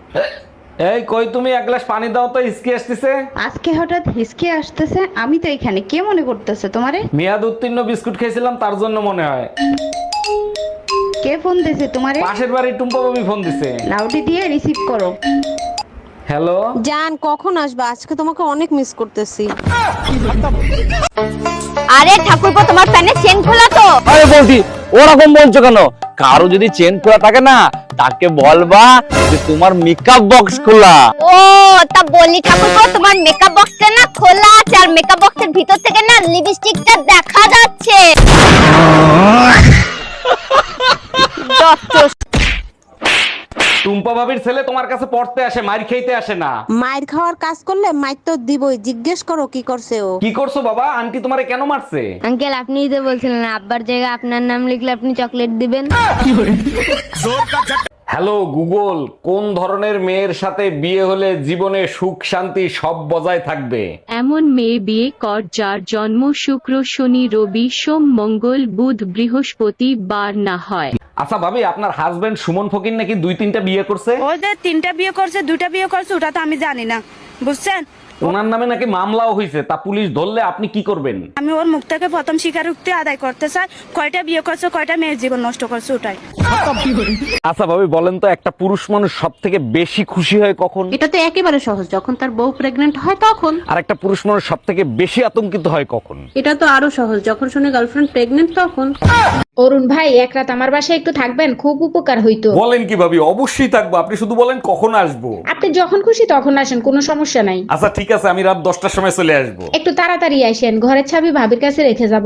এই কই তুমি, এক গ্লাস পানি দাও তো, হিসকি আসতেছে। আজকে হঠাৎ হিসকে আসতেছে? আমি তো এখানে, কে মনে করতেছে তোমারে? মেয়াদ উত্তীর্ণ বিস্কুট খেয়েছিলাম তার জন্য মনে হয়। কে ফোন দিছে তোমারে? পাশের বাড়ির টুম্পা বাবু ফোন দিছে। লাউডি দিয়ে রিসিভ করো। হ্যালো জান, কখন আসবা? আজকে তোমাকে অনেক মিস করতেছি। আরে ঠাকুরপো, তোমার প্যানে চেন খোলা তো? আরে বলছি, ওরকম বলছো কেন? কারো যদি চেন খোলা থাকে না, তাকে বলবা যে তোমার মেকআপ বক্স খোলা। ও তা বলি ঠাকুরপো, তোমার মেকআপ বক্সটা না খোলা আছে, আর মেকআপ বক্সের ভিতর থেকে না লিপস্টিকটা দেখা যাচ্ছে। টুম্পা ভাবির ছেলে তোমার কাছে পড়তে আসে, মার খেইতে আসে না। মায়ের খাওয়ার কাজ করলে মাইর তো দিবই। জিজ্ঞেস করো কি করছে ও। কি করছো বাবা? আন্টি তোমারে কেন মারছে? আঙ্কেল, আপনিই তো বলছিলেন আব্বার জায়গায় আপনার নাম লিখলে আপনি চকলেট দিবেন। হ্যালো গুগল, কোন ধরনের মেয়ের সাথে বিয়ে হলে জীবনে সুখ শান্তি সব বজায় থাকবে? এমন মেয়ে বিয়ে কর যার জন্ম শুক্র, শনি, রবি, সোম, মঙ্গল, বুধ, বৃহস্পতি বার না হয়। আচ্ছা ভাবি, আপনার হাজবেন্ড সুমন ফকির নাকি 2-3টা বিয়ে করছে? ও যে 3টা বিয়ে করছে, 2টা বিয়ে করছে, ওটা তো আমি জানি না, বুঝছেন? ওনার নামে নাকি মামলাও হয়েছে, তা পুলিশ ধরলে আপনি কি করবেন? আমি ওর মুখ থেকে প্রথম স্বীকারোক্তি আদায় করতে চাই। কয়টা বিয়ে করছে, কয়টা মেয়ের জীবন নষ্ট করছে, ওটাই। আচ্ছা ভাবি বলেন তো, একটা পুরুষ মানুষ সব থেকে বেশি খুশি হয় কখন? এটা তো একেবারে সহজ, যখন তার বউ প্রেগনেন্ট হয় তখন। আর একটা পুরুষ মানুষ সব থেকে বেশি আতঙ্কিত হয় কখন? এটা তো আরো সহজ, যখন শুনে গার্লফ্রেন্ড প্রেগনেন্ট তখন। অরুণ ভাই, এক রাত আমার বাসায় একটু থাকবেন, খুব উপকার হইতো। বলেন কি ভাবি, অবশ্যই থাকবো, আপনি শুধু বলেন কখন আসবো। আপনি যখন খুশি তখন আসেন, কোনো সমস্যা নাই। আচ্ছা ঠিক আছে, আমি রাত 10টার সময় চলে আসবো। একটু তাড়াতাড়ি আসেন, ঘরের চাবি ভাবির কাছে রেখে যাব।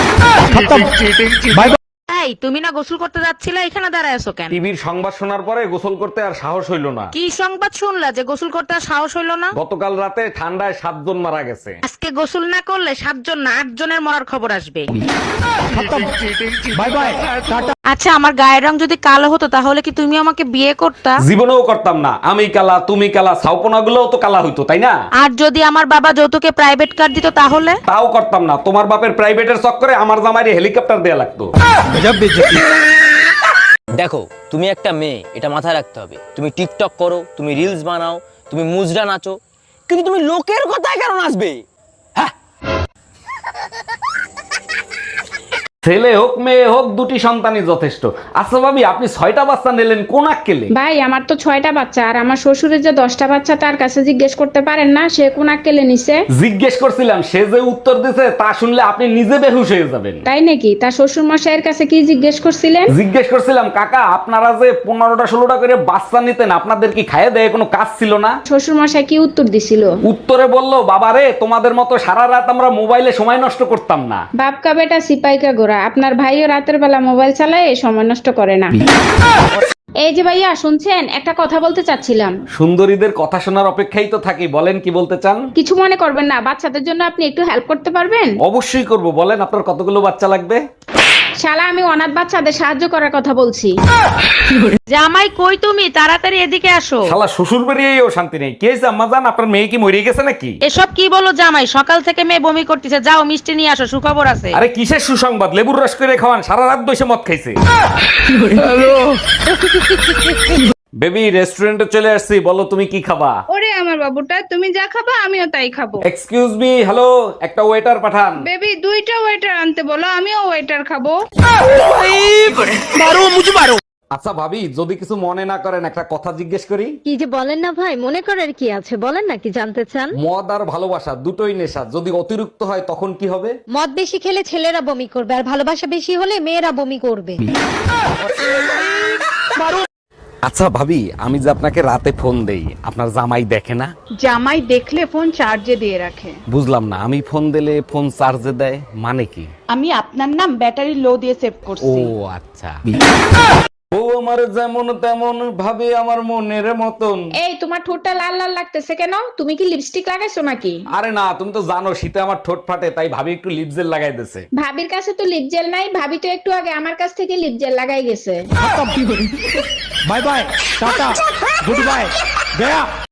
এই, তুমি না গোসল করতে যাচ্ছিলা, এখানে দাঁড়ায় আছো কেন? টিভির সংবাদ শোনার পরে গোসল করতে আর সাহস হইল না। কি সংবাদ শুনলা যে গোসল করতে আর সাহস হইলো না? গতকাল রাতে ঠান্ডায় 7 জন মারা গেছে। আজকে গোসল না করলে 7 জন না 8 জনের মরার খবর আসবে। আচ্ছা, আমার গায়ের রং যদি কালো হতো তাহলে কি তুমি আমাকে বিয়ে করতা? জীবনেও করতাম না। আমি কালা, তুমি কালা, ছাউপনা গুলোও তো কালা হইতো, তাই না? আর যদি আমার বাবা যৌতুকে প্রাইভেট কার দিত তাহলে? তাও করতাম না। তোমার বাপের প্রাইভেটের চক্করে আমার জামাইরে হেলিকপ্টার দেয়া লাগতো। দেখো, তুমি একটা মেয়ে, এটা মাথায় রাখতে হবে। তুমি টিকটক করো, তুমি রিলস বানাও, তুমি মুজরা নাচো, কিন্তু তুমি লোকের কথায় কেন নাচবে? ছেলে হোক মেয়ে হোক, দুটি সন্তানই যথেষ্ট। আচ্ছা ভাবি, আপনি 6টা বাচ্চা নিলেন কোন আক্কেলে? ভাই, আমার তো 6টা বাচ্চা, আর আমার শ্বশুরের যে 10টা বাচ্চা, তার কাছে জিজ্ঞেস করতে পারেন না সে কোন আক্কেলে নিছে? জিজ্ঞেস করছিলাম, সে যে উত্তর দিছে তা শুনলে আপনি নিজে বেহুশ হয়ে যাবেন। তাই নাকি? তার শ্বশুর মশাইয়ের কাছে কি জিজ্ঞেস করছিলেন? জিজ্ঞেস করছিলাম, কাকা আপনারা যে 15টা 16টা করে বাচ্চা নিতেন, আপনাদের কি খাইয়ে দেয় কোনো কাজ ছিল না? শ্বশুর মশাই কি উত্তর দিছিল? উত্তরে বলল, বাবা রে, তোমাদের মতো সারা রাত আমরা মোবাইলে সময় নষ্ট করতাম না। বাপকা বেটা সিপাইকা গোরা, আপনার ভাইও রাতের বেলা মোবাইল চালায়, সময় নষ্ট করে না। এই যে ভাইয়া শুনছেন, একটা কথা বলতে চাচ্ছিলাম। সুন্দরীদের কথা শোনার অপেক্ষাই তো থাকি, বলেন কি বলতে চান? কিছু মনে করবেন না, বাচ্চাদের জন্য আপনি একটু হেল্প করতে পারবেন? অবশ্যই করব, বলেন আপনার কতগুলো বাচ্চা লাগবে? শালা, আমি অনাথ বাচ্চাদের সাহায্য করার কথা বলছি। জামাই কই তুমি? তাড়াতাড়ি এদিকে আসো। শালা শ্বশুর বাড়িয়েও শান্তি নেই। কে হয়েছে আম্মা জান, আপনার মেয়ে কি মরে গেছে নাকি? এসব কি বলো জামাই? সকাল থেকে মেয়ে বমি করতেছে, যাও মিষ্টি নিয়ে আসো, সুখবর আছে। আরে কিসের সুসংবাদ? লেবুর রস করে খাওয়ান, সারা রাত বসে মদ খাইছে। বেবি, রেস্টুরেন্টে চলে আসছি, বলো তুমি কি খাবা? ওরে আমার বাবুটা, তুমি যা খাবা আমিও তাই খাবো। এক্সকিউজ মি, হ্যালো, একটা ওয়েটার পাঠান। বেবি, 2টা ওয়েটার আনতে বলো, আমিও ওয়েটার খাবো। আচ্ছা ভাবি, যদি কিছু মনে না করেন একটা কথা জিজ্ঞেস করি। কি যে বলেন না ভাই, মনে করার কি আছে, বলেন না কি জানতে চান? মদ আর ভালোবাসা দুটোই নেশা, যদি অতিরিক্ত হয় তখন কি হবে? মদ বেশি খেলে ছেলেরা বমি করবে, আর ভালোবাসা বেশি হলে মেয়েরা বমি করবে। আচ্ছা ভাবি, আমি যে আপনাকে রাতে ফোন দেই, আপনার জামাই দেখে না? জামাই দেখলে ফোন চার্জে দিয়ে রাখে। বুঝলাম না, আমি ফোন দিলে ফোন চার্জে দেয় মানে কি? আমি আপনার নাম ব্যাটারি লো দিয়ে সেভ ও করছি। আচ্ছা। ও আমার যেমন তেমন ভাবে আমার মনের মতন। এই, তোমার ঠোঁটটা লাল লাল লাগতেছে কেন? তুমি কি লিপস্টিক লাগাইছো নাকি? আরে না, তুমি তো জানো শীতে আমার ঠোঁট ফাটে, তাই ভাবি একটু লিপ জেল লাগাই দিছে। ভাবির কাছে তো লিপ জেল নাই, ভাবি তো একটু আগে আমার কাছ থেকে লিপ জেল লাগাই গেছে। Bye bye, tata, good bye, Gaya.